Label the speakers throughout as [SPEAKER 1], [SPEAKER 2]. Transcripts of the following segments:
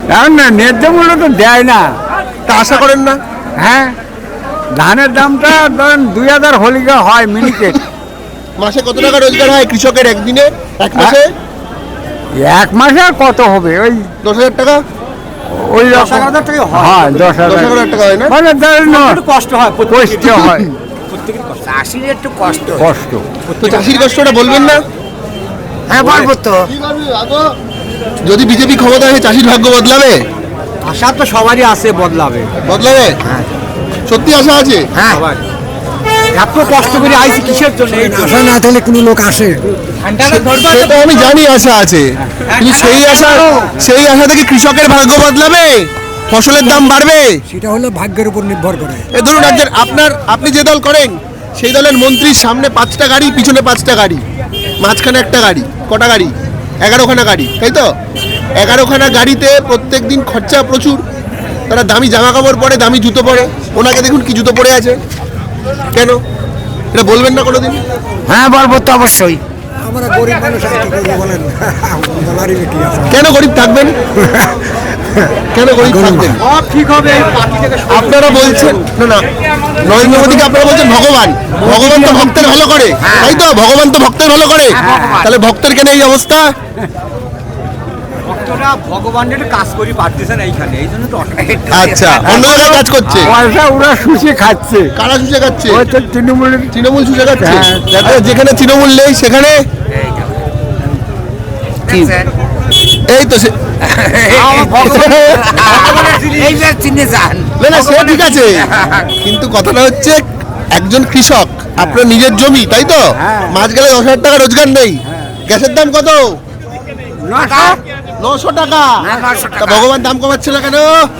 [SPEAKER 1] এখন না ন্যায্য মূল্য তো দেয় না।
[SPEAKER 2] তা আশা করেন না?
[SPEAKER 1] হ্যাঁ, ধানের দামটা ধরেন 2000 হলিকা হয় মিনিকেট।
[SPEAKER 2] মাসে কত টাকা রোজগার হয় কৃষকের একদিনে, এক মাসে?
[SPEAKER 1] এক মাসে আর কত হবে? ওই
[SPEAKER 2] 10,000 টাকা।
[SPEAKER 1] ওই রকম।
[SPEAKER 3] 10,000 টাকা হয়।
[SPEAKER 1] হ্যাঁ,
[SPEAKER 2] 10,000 টাকা হয় না?
[SPEAKER 1] মানে ধরেন
[SPEAKER 3] একটু কষ্ট হয়,
[SPEAKER 1] কষ্ট হয়,
[SPEAKER 3] প্রত্যেকের কষ্ট।
[SPEAKER 4] চাষির একটু কষ্ট।
[SPEAKER 1] কষ্ট।
[SPEAKER 2] তো চাষির কষ্টটা বলবেন না?
[SPEAKER 4] হ্যাঁ বলবো তো।
[SPEAKER 2] যদি বিজেপি ক্ষমতা আসে চাষির ভাগ্য বদলাবে?
[SPEAKER 3] আশা তো সবারই আছে বদলাবে।
[SPEAKER 2] বদলাবে? সত্যি আশা আছে?
[SPEAKER 4] হ্যাঁ,
[SPEAKER 3] এত কষ্ট করে আইছি কিসের জন্য? এই তো।
[SPEAKER 1] আশা না থাকলে কোনো লোক আসে?
[SPEAKER 2] সেটা আমি জানি আশা আছে, কিন্তু সেই আশা থেকে কৃষকের ভাগ্য বদলাবে? ফসলের দাম বাড়বে?
[SPEAKER 1] সেটা হলো ভাগ্যের উপর নির্ভর করে।
[SPEAKER 2] এ ধরুন আপনি যে দল করেন সেই দলের মন্ত্রীর সামনে 5টা গাড়ি, পিছনে 5টা গাড়ি, মাঝখানে একটা গাড়ি, কটা গাড়ি? 11খানা গাড়ি, তাই তো? 11খানা গাড়িতে প্রত্যেক দিন খরচা প্রচুর। তারা দামি জামা কাপড় পরে, দামি জুতো পরে। ওনাকে দেখুন কি জুতো পরে আছে, কেন? এটা বলবেন না কোনোদিন?
[SPEAKER 4] হ্যাঁ বলবো তো অবশ্যই।
[SPEAKER 1] আমরা গরিব মানুষ আর কি করবো বলেন? বলারই কি আছে?
[SPEAKER 2] কেন গরিব থাকবেন? কেন গরিব থাকবেন?
[SPEAKER 3] সব ঠিক হবে। পার্টি থেকে
[SPEAKER 2] আপনারা বলছেন না নরেন্দ্র মোদীকে আপনারা বলছেন ভগবান। ভগবান তো ভক্তের ভালো করে, তাই তো? ভগবান তো ভক্তের ভালো করে, তাহলে ভক্তের কেন এই অবস্থা?
[SPEAKER 3] ভক্তরা ভগবানের কাজ করি পারতেছে না এইখানে, এই জন্য তো
[SPEAKER 2] আচ্ছা, অন্য জায়গায় কাজ করছে।
[SPEAKER 1] পয়সা ওরা শুষে খাচ্ছে।
[SPEAKER 2] কারা শুষে খাচ্ছে?
[SPEAKER 1] ওই তো তৃণমূলের।
[SPEAKER 2] তৃণমূল শুষে খাচ্ছে।
[SPEAKER 1] হ্যাঁ।
[SPEAKER 2] যাতে যেখানে তৃণমূল নেই সেখানে এই তো
[SPEAKER 4] এইবার চিনে যান।
[SPEAKER 2] না সে ঠিক আছে, কিন্তু কথাটা হচ্ছে একজন কৃষক, আপনার নিজের জমি, তাই তো? মাস গেলে 10,000 টাকা রোজগার নেই। গ্যাসের দাম কত? 900 টাকা। তা ভগবান দাম কমাচ্ছে না কেন?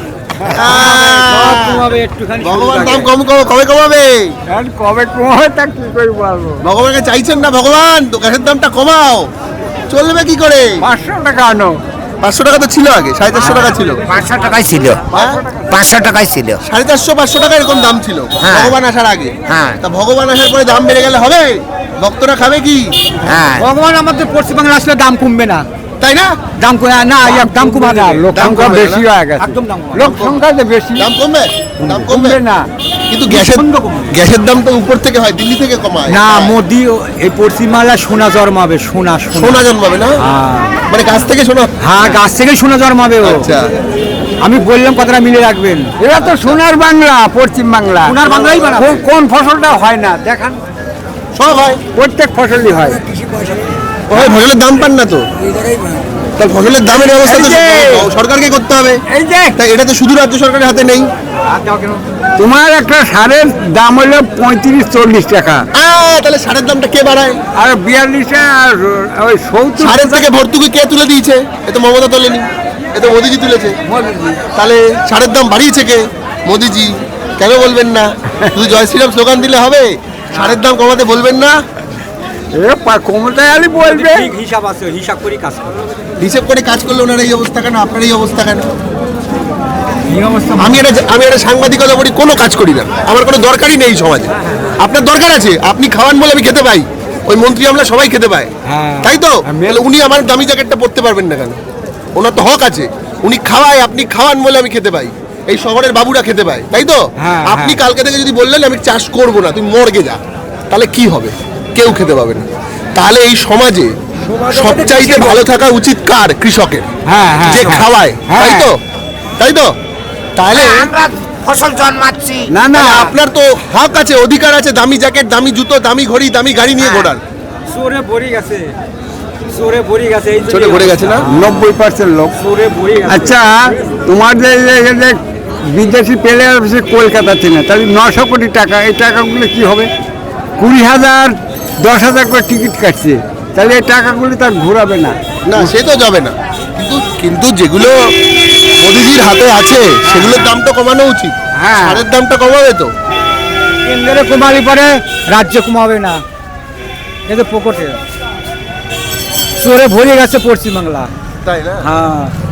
[SPEAKER 3] কমাবে একটুখানি।
[SPEAKER 2] ভগবান দাম কবে কমাবে?
[SPEAKER 1] কবে কমাবে তা কি করে বলবো?
[SPEAKER 2] ভগবানকে চাইছেন না ভগবান তো গ্যাসের দামটা কমাও, চলবে কি করে?
[SPEAKER 1] 500 টাকা আনো।
[SPEAKER 2] 500 টাকা তো ছিল আগে, 450 টাকা ছিল।
[SPEAKER 4] 500 টাকাই ছিল, 500 টাকাই ছিল।
[SPEAKER 2] 450 500 টাকা এরকম দাম ছিল
[SPEAKER 4] হ্যাঁ।
[SPEAKER 2] ভগবান আসার আগে।
[SPEAKER 4] হ্যাঁ।
[SPEAKER 2] তা ভগবান আসার পরে দাম বেড়ে গেলে হবে? ভক্তরা খাবে কি?
[SPEAKER 4] হ্যাঁ,
[SPEAKER 3] ভগবান আমাদের পশ্চিমবাংলা আসলে দাম কমবে না।
[SPEAKER 2] তাই না?
[SPEAKER 3] দাম না, দাম কমাবে।
[SPEAKER 1] লোক
[SPEAKER 2] দাম
[SPEAKER 1] সংখ্যা
[SPEAKER 2] কমবে
[SPEAKER 1] বেশি
[SPEAKER 2] না?
[SPEAKER 1] হয়ে গেছে।
[SPEAKER 3] একদম দাম কমাবে।
[SPEAKER 1] লোক সংখ্যা তো বেশি।
[SPEAKER 2] দাম কমবে? দাম কমবে
[SPEAKER 1] কমবে না।
[SPEAKER 2] কিন্তু
[SPEAKER 3] প্রচণ্ড কমবে।
[SPEAKER 2] গ্যাসের দাম তো উপর থেকে হয়, দিল্লি থেকে কমায়
[SPEAKER 3] না, মোদি এই পশ্চিমবাংলা সোনা জন্মাবে, সোনা
[SPEAKER 2] সোনা জন্মাবে না? মানে গাছ থেকে সোনা?
[SPEAKER 3] হ্যাঁ, গাছ থেকে সোনা জন্মাবে ও।
[SPEAKER 2] আচ্ছা,
[SPEAKER 3] আমি বললাম কথাটা মিলে রাখবেন।
[SPEAKER 1] এরা তো সোনার বাংলা, পশ্চিম বাংলা।
[SPEAKER 3] সোনার বাংলাই বানাবে।
[SPEAKER 1] কোন ফসলটা হয় না দেখান?
[SPEAKER 2] সব হয়।
[SPEAKER 1] প্রত্যেক ফসলই হয়।
[SPEAKER 2] ওই ফসলের দাম পান না তো? তাহলে ফসলের দামের ব্যবস্থা তো
[SPEAKER 1] এই যে-
[SPEAKER 2] সরকারকে করতে হবে।
[SPEAKER 1] এই যে
[SPEAKER 2] তাই এটা তো শুধু রাজ্য সরকারের হাতে নেই।
[SPEAKER 1] তোমার একটা সারের দাম হলো 35-40 টাকা,
[SPEAKER 2] তাহলে সারের দামটা কে বাড়ায়?
[SPEAKER 1] আর 42 আর ওই 70
[SPEAKER 2] সারের থেকে ভর্তুকি কে তুলে দিয়েছে? এ তো মমতা তোলেনি, এ তো মোদিজি তুলেছে। তাহলে সারের দাম বাড়িয়েছে কে? মোদিজি। কেন বলবেন না? শুধু জয় শ্রীরাম স্লোগান দিলে হবে? সারের দাম কমাতে বলবেন না?
[SPEAKER 1] ক্ষমতায় আলি বলবে।
[SPEAKER 3] ঠিক হিসাব আছে, হিসাব করে কাজ করবে।
[SPEAKER 2] হিসেব করে কাজ করলে ওনার এই অবস্থা কেন, আপনার এই অবস্থা কেন?
[SPEAKER 3] এই অবস্থা
[SPEAKER 2] আমি একটা সাংবাদিকতা করি, কোনো কাজ করি না, আমার কোনো দরকারই নেই সমাজে। আপনার দরকার আছে, আপনি খাওয়ান বলে আমি খেতে পাই, ওই মন্ত্রী আমরা সবাই খেতে পাই, তাই তো? তাহলে উনি আমার দামি জ্যাকেটটা পরতে পারবেন না কেন? ওনার তো হক আছে, উনি খাওয়ায়, আপনি খাওয়ান বলে আমি খেতে পাই, এই শহরের বাবুরা খেতে পায়, তাই তো? আপনি কালকে থেকে যদি বললেন আমি চাষ করব না, তুমি মর্গে যা, তাহলে কি হবে? কেউ খেতে পাবে না। তাহলে এই সমাজে সবচাইতে ভালো থাকা উচিত কার? কৃষকের, যে খাওয়ায়, তাই তো? তাই তো? তাহলে
[SPEAKER 4] আমরা ফসল জন্মাচ্ছি।
[SPEAKER 1] না না,
[SPEAKER 2] আপনার তো হক আছে, অধিকার আছে দামি জ্যাকেট, দামি জুতো, দামি ঘড়ি, দামি গাড়ি নিয়ে ঘোরার।
[SPEAKER 3] চোরে ভরে গেছে, চোরে ভরে গেছে, এই
[SPEAKER 2] চলে ঘুরে গেছে না?
[SPEAKER 1] 90% লোক।
[SPEAKER 3] চোরে ভরে গেছে।
[SPEAKER 1] আচ্ছা, তোমার যে বিদেশি প্লেয়ার আছে কলকাতাতে না, তাহলে 900 কোটি টাকা, এই টাকাগুলো কি হবে? 20,000 10,000 করে টিকিট কাটছে, তাহলে এই টাকাগুলো তার ঘোরাবে না।
[SPEAKER 2] না সে তো যাবে না, কিন্তু যেগুলো মোদিজির হাতে আছে সেগুলোর দাম তো কমানো উচিত।
[SPEAKER 1] হ্যাঁ।
[SPEAKER 2] সারের দামটা কমাবে তো?
[SPEAKER 3] কেন্দ্রে কমালি পরে রাজ্য কমাবে না, কিন্তু পকেটে চোরে ভরে গেছে পশ্চিমবাংলা।
[SPEAKER 2] তাই না?
[SPEAKER 3] হ্যাঁ।